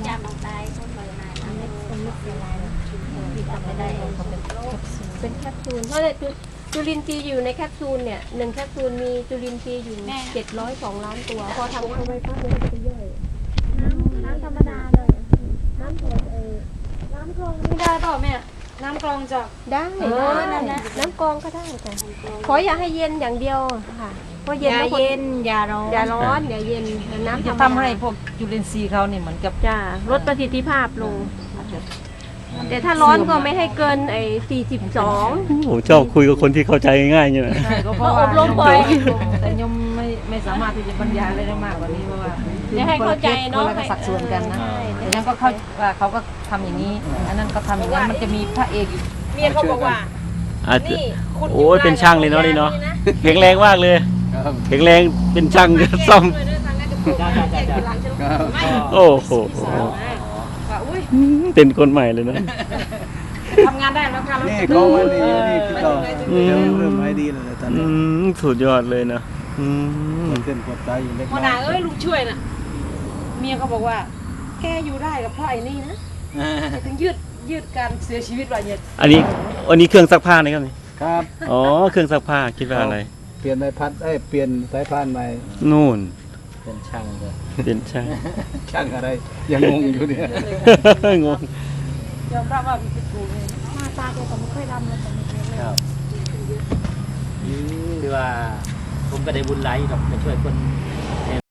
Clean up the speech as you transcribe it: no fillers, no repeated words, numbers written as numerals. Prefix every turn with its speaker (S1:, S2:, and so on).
S1: จำลงไปคนใบไม้คนไม่เป็นไรที่ทำไม่ได้เป็นแคปซูลเพราะจุลินทรีย์อยู่ในแคปซูลเนี่ย1แคปซูลมีจุลินทรีย์อยู่702 ล้านตัวพอทำเข้าไปปั๊บมันก็จะย่อยน้ำธรรมดาเลยน้ำน้ำกรองไม่ได้เปล่าแม่น้ำกรองจะได้น้ำกรองก็ได้แต่ขออย่าให้เย็นอย่างเดียวค่ะเพราะเย็นแล้วอย่าร้อนอย่าเย็นน้ำ
S2: จะทำให้พวกจุลินทรีย์เขาเนี่ยเหมือนกับ
S1: จะลดประสิทธิภาพลงแต่ถ้าร้อนก็ไม่ให้เกิน42
S3: ผมชอบคุยกับคนที่เข้าใจง่ายๆเนี่ยนะ
S2: ก็เพราะว่าอบรมบ่อยแต่ยมไม่สามารถที่จะบรรยายอะไรได้มากกว่านี้เพราะว่า
S1: ให้เข้าใจเนาะ
S2: คนละสัดส่วนกันนะแต่นั้นก็เขาว่าเขาก็ทำอย่างนี้อันนั้นก็ทำอย่างนั้นมันจะมีพระเอกอยู่
S1: เมียเขาบอกว่า
S3: โอ้ยเป็นช่างเลยเนาะนี่เนาะแข็งแรงมากเลยแข็งแรงเป็นช่างซ่อมโอ้โหเป็นคนใหม่เลยนะ
S2: ทำงานได้แล้วค่ะ
S4: นี่เขาไว้ดีนี่พี่ต่อเริ่มไม่ดีเลยตอนนี้
S3: สุดยอดเลยนะ
S4: เส้นปวดใจอยู่เล็ก
S2: หัวหน้าลุงช่วยน่ะเมียเขาบอกว่าแกอยู่ได้กับเพราะไอ้นี่นะถึงยืดการเสียชีวิตว่าเนี่ย
S3: อันนี้เครื่องซักผ้านะครับนี่
S4: ครับ
S3: อ๋อเครื่องซักผ้าคิดว่าอะไร
S4: เปลี่ยนใบพัดเปลี่ยนสายพานใหม่
S3: นู่น
S4: เป็นช่างเลย
S3: เป็นช่าง
S4: ช่างอะไรยังงงอยู่เนี่ย
S3: งง
S2: ยอมรับว่ามีผิดถูก
S1: หน้าตาแกก็ไม่ค่อยดำเลยแต่ไม่เป็นไร
S5: ครับคือว่าผมก็ได้บุญหลายดอกจะช่วยคน